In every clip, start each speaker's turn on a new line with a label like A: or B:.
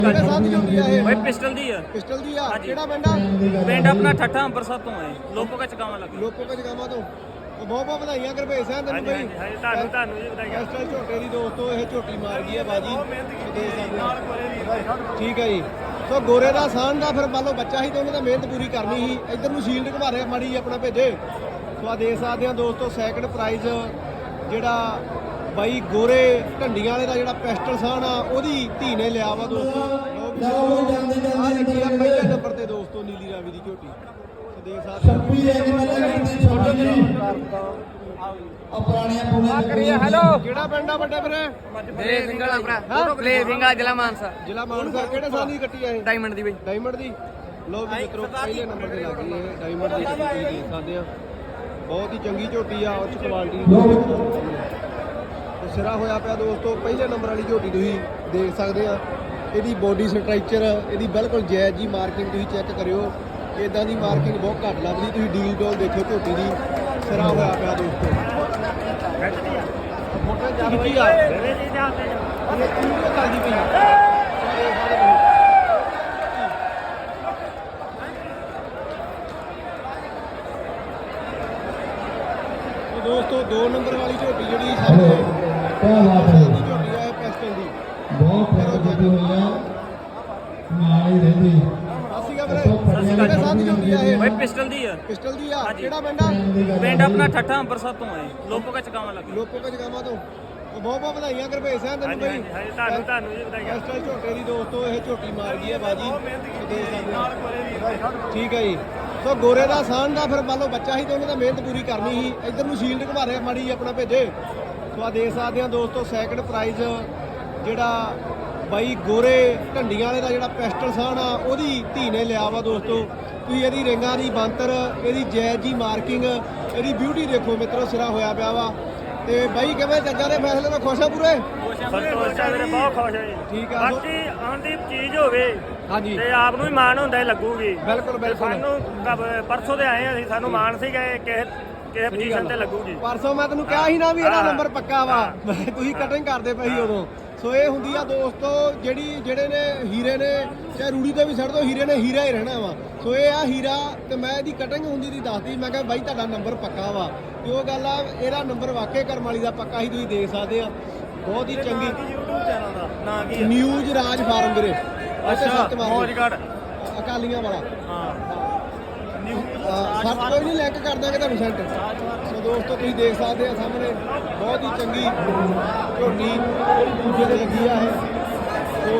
A: ਕਿਹੜੇ ਸਾਥ ਦੀ ਝੋਟੀ ਆ ਇਹ?
B: भाई पिस्टल दी है।
A: ਪਿਸਟਲ ਦੀ ਆ।
B: हाँ जी।
A: ਕਿਹੜਾ ਪਿੰਡ ਆ?
B: पिंड अपना ठट्ठा अंबरसर तो है लोगों का चकावा लगा।
A: ਲੋਕੋ ਕਚ ਗਾਵਾਂ ਤੋਂ। ਬਹੁਤ ਬਹੁਤ ਵਧਾਈਆਂ ਗੁਰਭੇਜ ਸਿੰਘ
B: हाँ
A: ਤੈਨੂੰ
B: जी
A: ਬਈ।
B: हाँ जी ਤੁਹਾਨੂੰ ਜੀ ਵਧਾਈਆਂ।
A: ਪਿਸਟਲ ਝੋਟੇ ਦੀ ਦੋਸਤੋ ਇਹ ਝੋਟੀ ਮਾਰ ਗਈ ਹੈ ਬਾਜੀ। ਦੇ ਸਕਦੇ ਹੋ। ਠੀਕ ਹੈ ਜੀ। ਸੋ ਗੋਰੇ ਦਾ ਸਾਨ ਦਾ ਫਿਰ ਮੰਨ ਲਓ ਬੱਚਾ ਸੀ ਤੇ ਉਹਨੇ ਤਾਂ ਮਿਹਨਤ ਪੂਰੀ ਕਰਨੀ ਸੀ। ਇੱਧਰ ਨੂੰ ਸ਼ੀਲਡ ਘੁਮਾ ਰਿਹਾ ਮਾੜੀ ਆਪਣਾ ਭੇਜੇ। ਸੋ ਆ ਦੇ ਸਕਦੇ ਆ ਦੋਸਤੋ ਸੈਕੰਡ ਪ੍ਰਾਈਜ਼ ਜਿਹੜਾ ਬਾਈ ਗੋਰੇ ਢੰਡੀਆਂ ਵਾਲੇ ਦਾ ਜਿਹੜਾ ਪਿਸਟਲ ਸਾਨ ਆ ਉਹਦੀ ਧੀ ਨੇ ਲਿਆ ਵਾ ਦੋਸਤੋ। ਆ ਲੱਗੀ ਆ ਪਹਿਲੇ ਨੰਬਰ ਤੇ ਦੋਸਤੋ ਨੀਲੀ ਰਾਵੀ ਦੀ ਝੋਟੀ। ਸੋ ਦੇਖ ਸਕਦੇ
B: हेलो
A: ਕਿਹੜਾ ਪਿੰਡ ਆ ਵੱਡੇ ਵੀਰੇ?
B: प्ले सिंगल अपना प्ले सिंगल जिला मानसा
A: ਜ਼ਿਲ੍ਹਾ ਮਾਨਸਾ। ਕਿਹੜੇ ਸਾਲ ਦੀ ਕੱਟੀ ਆ ਇਹ?
B: डायमंड दी भाई।
A: ਡਾਇਮੰਡ ਦੀ। ਲੋ ਵੀ ਮਿੱਤਰੋ ਪਹਿਲੇ ਨੰਬਰ ਤੇ ਲੱਗ ਗਈ ਇਹ ਡਾਇਮੰਡ ਦੀ ਝੋਟੀ ਦੇਖ ਸਕਦੇ ਆ। ਬਹੁਤ ਹੀ ਚੰਗੀ ਝੋਟੀ ਆ ਉੱਚ ਕੁਆਲਿਟੀ ਦੀ। ਤੇ ਸਿਰਾ ਹੋਇਆ ਪਿਆ ਦੋਸਤੋ ਪਹਿਲੇ ਨੰਬਰ ਵਾਲੀ ਝੋਟੀ ਤੁਸੀਂ ਦੇਖ ਸਕਦੇ ਆ। ਇਹਦੀ ਬੋਡੀ ਸਟਰਕਚਰ ਇਹਦੀ ਬਿਲਕੁਲ ਜਾਇਜ਼ ਜੀ ਮਾਰਕਿੰਗ ਤੁਸੀਂ ਚੈੱਕ ਕਰਿਓ। ਇਦਾਂ ਦੀ ਮਾਰਕਿੰਗ ਬਹੁਤ ਘੱਟ ਲੱਭਦੀ। ਤੁਸੀਂ ਡੀਲ ਡੋਲ ਦੇਖੋ ਝੋਟੀ ਦੀ ਸਿਰਾ ਹੋਇਆ ਪਿਆ ਦੋਸਤੋ। ਫੋਟੋ ਖਿੱਚੀ ਆ ਇਹ ਵੀਡੀਓ ਚੱਲਦੀ ਪਈ ਦੋਸਤੋ 2 ਨੰਬਰ ਵਾਲੀ ਝੋਟੀ ਜਿਹੜੀ ਸਾਹਮਣੇ ਦੀ ਝੋਟੀ ਆ ਇਹ ਪਿਸਟਲ ਦੀ।
C: ਬਹੁਤ ਫਰਕ ਦਿੱਤੀ ਹੋਈ ਆ ਨਾਲ ਹੀ ਰਹਿੰਦੀ
A: ਅਸੀਂ ਕਹ ਵੀਰੇ ਕਿਹੜੇ ਸਾਥ ਦੀ ਝੋਟੀ ਆ ਇਹ?
B: भाई पिस्टल दी है।
A: ਪਿਸਟਲ ਦੀ ਆ।
B: हाँ जी।
A: ਕਿਹੜਾ ਪਿੰਡ ਆ?
B: पिंड अपना ठट्ठा अंबरसर तो है लोगों का चकावा लगा।
A: ਲੋਕੋ ਕਚ ਗਾਵਾਂ ਤੋਂ। ਬਹੁਤ ਬਹੁਤ ਵਧਾਈਆਂ ਗੁਰਭੇਜ ਸਿੰਘ
B: हाँ
A: ਤੈਨੂੰ
B: जी हाँ
A: ਬਈ।
B: जी हाँ जी ਤੁਹਾਨੂੰ ਜੀ ਵਧਾਈਆਂ।
A: ਪਿਸਟਲ ਝੋਟੇ ਦੀ ਦੋਸਤੋ ਇਹ ਝੋਟੀ ਮਾਰ ਗਈ ਹੈ ਬਾਜੀ। ਦੇ ਸਕਦੇ ਹੋ। ਠੀਕ ਹੈ ਜੀ। ਸੋ ਗੋਰੇ ਦਾ ਸਾਨ ਦਾ ਫਿਰ ਮੰਨ ਲਓ ਬੱਚਾ ਸੀ ਤੇ ਉਹਨੇ ਤਾਂ ਮਿਹਨਤ ਪੂਰੀ ਕਰਨੀ ਸੀ। ਇੱਧਰ ਨੂੰ ਸ਼ੀਲਡ ਘੁਮਾ ਰਿਹਾ ਮਾੜੀ ਆਪਣਾ ਭੇਜੇ। ਸੋ ਆ ਦੇਖ ਸਕਦੇ ਆ ਦੋਸਤੋ ਸੈਕੰਡ ਪ੍ਰਾਈਜ਼ ਜਿਹੜਾ ਬਾਈ ਗੋਰੇ ਢੰਡੀਆਂ ਵਾਲੇ ਦਾ ਜਿਹੜਾ ਪਿਸਟਲ ਸਾਨ ਆ ਉਹਦੀ ਧੀ ਨੇ ਲਿਆ ਵਾ ਦੋਸਤੋ। ਤੁਸੀਂ ਇਹਦੀ ਰਿੰਗਾਂ ਦੀ ਬੰਤਰ ਇਹਦੀ ਜਾਇਜ਼ ਜੀ ਮਾਰਕਿੰਗ ਇਹਦੀ ਬਿਊਟੀ ਦੇਖੋ ਮਿੱਤਰੋ ਸਿਰਾ ਹੋਇਆ ਪਿਆ ਵਾ। ਤੇ ਬਾਈ ਕਿਵੇਂ ਜੱਜਾਂ ਦੇ ਫੈਸਲੇ ਤੋਂ ਖੁਸ਼ ਆ ਪੂਰੇ?
B: ਸੰਤੋਸ਼ ਹੈ ਵੀਰੇ ਬਹੁਤ ਖੁਸ਼ ਹੈ ਜੀ।
A: ਠੀਕ ਆ।
B: ਬਾਕੀ ਆਉਣ ਦੀ ਚੀਜ਼ ਹੋਵੇ
A: ਹਾਂਜੀ
B: ਤੇ ਆਪ ਨੂੰ ਵੀ ਮਾਣ ਹੁੰਦਾ ਹੈ ਲੱਗੂਗੀ।
A: ਬਿਲਕੁਲ ਬਿਲਕੁਲ।
B: ਸਾਨੂੰ ਪਰਸੋਂ ਦੇ ਆਏ ਅਸੀਂ ਸਾਨੂੰ ਮਾਣ ਸੀਗਾ ਕਿਸੇ ਪੋਜੀਸ਼ਨ ਤੇ ਲੱਗੂਗੀ।
A: ਪਰਸੋਂ ਮੈਂ ਤੈਨੂੰ ਕਿਹਾ ਸੀ ਨਾ ਵੀ ਇਹਦਾ
B: ਹਾਂ।
A: ਨੰਬਰ ਪੱਕਾ ਵਾ। ਤੁਸੀਂ ਕਟਿੰਗ ਕਰਦੇ ਪਏ ਸੀ ਉਦੋਂ। ਸੋ ਇਹ ਹੁੰਦੀ ਆ ਦੋਸਤੋ ਜਿਹੜੇ ਨੇ ਹੀਰੇ ਨੇ ਚਾਹੇ ਰੂੜੀ ਤੇ ਵੀ ਛੱਡ ਦੋ ਹੀਰੇ ਨੇ ਹੀਰਾ ਹੀ ਰਹਿਣਾ ਵਾ। ਸੋ ਇਹ ਆ ਹੀਰਾ ਤੇ ਮੈਂ ਇਹਦੀ ਕਟਿੰਗ ਹੁੰਦੀ ਦੀ ਦੱਸਦੀ। ਮੈਂ ਕਿਹਾ ਬਾਈ ਤੁਹਾਡਾ ਨੰਬਰ ਪੱਕਾ ਵਾ ਤੇ ਉਹ ਗੱਲ ਆ ਇਹਦਾ ਨੰਬਰ ਵਾਕਈ ਕਰਮ ਵਾਲੀ ਦਾ ਪੱਕਾ ਹੀ ਤੁਸੀਂ ਦੇਖ ਸਕਦੇ ਆ। ਬਹੁਤ ਹੀ ਚੰਗੀ
B: YouTube ਚੈਨਲ ਦਾ ਨਾਂ ਕੀ ਹੈ?
A: ਨਿਊਜ਼ ਰਾਜ ਫਾਰਮ ਵੀਰੇ।
B: ਅੱਛਾ ਮੌਜਗੜ
A: ਅਕਾਲੀਆਂ ਵਾਲਾ।
B: ਹਾਂ
A: ਸੱਤ ਕੋਈ ਨਹੀਂ ਲਿੰਕ ਕਰ ਦਾਂਗੇ ਤੁਹਾਨੂੰ ਸੈਂਟ। ਸੋ ਦੋਸਤੋ ਤੁਸੀਂ ਦੇਖ ਸਕਦੇ ਆ ਸਾਹਮਣੇ ਬਹੁਤ ਹੀ ਚੰਗੀ ਝੋਟੀ ਦੂਜੇ ਤੇ ਲੱਗੀ ਆ ਇਹ। ਸੋ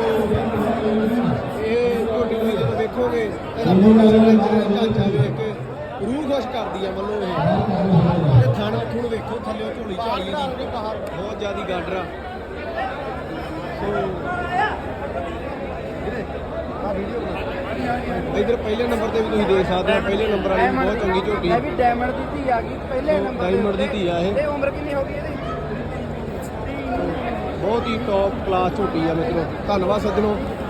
A: ਇਹ ਝੋਟੀ ਤੁਸੀਂ ਜਦੋਂ ਵੇਖੋਗੇ ਇਹਦਾ ਢਾਂਚਾ ਵੇਖ ਕੇ ਰੂਹ ਖੁਸ਼ ਕਰਦੀ ਆ ਮੰਨੋ ਇਹ। ਤੇ ਥਣ ਥੁਣ ਵੇਖੋ ਥੱਲੇ ਝੋਲੀ ਝਾਲੀ ਦੀ ਬਹੁਤ ਜ਼ਿਆਦੀ ਗਾਡਰ ਆ। ਇਧਰ ਪਹਿਲੇ ਨੰਬਰ ਤੇ ਵੀ ਤੁਸੀਂ ਦੇਖ ਸਕਦੇ ਹੋ ਪਹਿਲੇ ਨੰਬਰ ਵਾਲੀ ਬਹੁਤ ਚੰਗੀ ਝੋਟੀ।
D: ਇਹ ਵੀ ਡਾਇਮੰਡ ਦੀ ਧੀ ਆ ਗਈ ਪਹਿਲੇ ਨੰਬਰ ਤੇ।
A: ਡਾਇਮੰਡ ਦੀ ਧੀ ਆ ਇਹ।
D: ਤੇ ਉਮਰ ਕਿੰਨੀ ਹੋ ਗਈ ਇਹਦੀ?
A: ਬਹੁਤ ਹੀ ਟੌਪ ਕਲਾਸ ਝੋਟੀ ਆ ਮਿੱਤਰੋ। ਧੰਨਵਾਦ ਸੱਜਣੋ।